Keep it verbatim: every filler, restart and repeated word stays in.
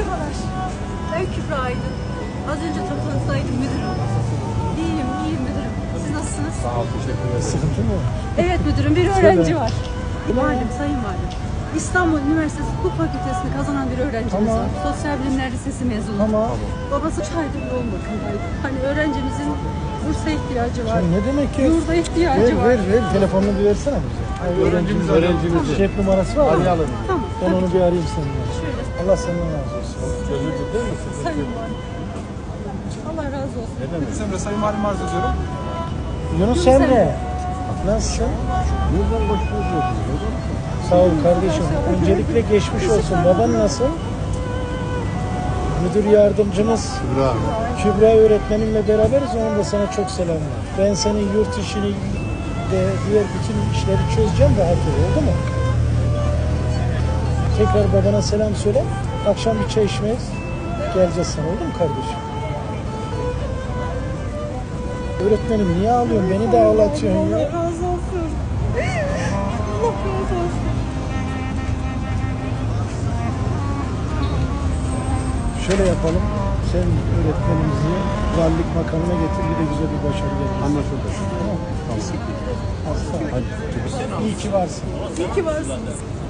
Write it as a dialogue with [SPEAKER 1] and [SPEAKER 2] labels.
[SPEAKER 1] Merhabalar. Ben Kübra Aydın. Az önce toplantıdaydım müdürüm. İyiyim, iyiyim müdürüm. Siz nasılsınız?
[SPEAKER 2] Sağ ol, teşekkür ederim.
[SPEAKER 3] Sıkıntı mı?
[SPEAKER 1] Evet müdürüm, bir öğrenci var. Valim, sayın valim. İstanbul Üniversitesi Hukuk Fakültesini kazanan bir öğrencimiz
[SPEAKER 3] Tamam.
[SPEAKER 1] var. Sosyal Bilimler Lisesi mezunu.
[SPEAKER 3] Tamam.
[SPEAKER 1] Babası üç aydır yoğun bakımdaydı. Hani öğrencimizin bursa ihtiyacı var.
[SPEAKER 3] Şimdi ne demek ki?
[SPEAKER 1] Yurda ihtiyacı
[SPEAKER 3] Ver
[SPEAKER 1] var.
[SPEAKER 3] ver ver. Telefonunu bir versene bize. Hayır, öğrencimiz, öğrencimiz. Cep numarası var mı?
[SPEAKER 2] Arayalım.
[SPEAKER 1] Tamam.
[SPEAKER 3] Ben
[SPEAKER 1] tabii
[SPEAKER 3] onu
[SPEAKER 1] ki.
[SPEAKER 3] bir arayayım seninle.
[SPEAKER 1] Şöyle,
[SPEAKER 3] Allah senden razı olsun.
[SPEAKER 2] Çözüldü değil mi?
[SPEAKER 1] sayın valim. Allah razı olsun.
[SPEAKER 2] Ne demek? Emre Sayın Valim arz ediyorum.
[SPEAKER 3] Yunus
[SPEAKER 1] Yunus
[SPEAKER 3] Emre.
[SPEAKER 1] Emre.
[SPEAKER 3] Nasılsın?
[SPEAKER 2] Buradan boş boş
[SPEAKER 3] Sağ ol kardeşim. Öncelikle geçmiş olsun. Baban nasıl? Müdür yardımcımız
[SPEAKER 2] Kübra.
[SPEAKER 3] Kübra öğretmenimle beraberiz. Onun da sana çok selam var. Ben senin yurt işini ve diğer bütün işleri çözeceğim. Rahat ol. Oldu mu? Tekrar babana selam söyle. Akşam bir çay içmeye geleceğiz sana. Oldu mu kardeşim? Öğretmenim niye ağlıyorsun? Beni de ağlatıyorsun
[SPEAKER 1] Allah
[SPEAKER 3] ya.
[SPEAKER 1] razı olsun. Allah razı olsun.
[SPEAKER 3] Şöyle yapalım. Sen öğretmenimizi valilik makamına getir. Bir de güzel bir başarı gelir.
[SPEAKER 2] Anlaşıldı.
[SPEAKER 3] Tamam. Aslan.
[SPEAKER 2] Hadi.
[SPEAKER 3] İyi ki varsın.
[SPEAKER 1] İyi ki varsınız.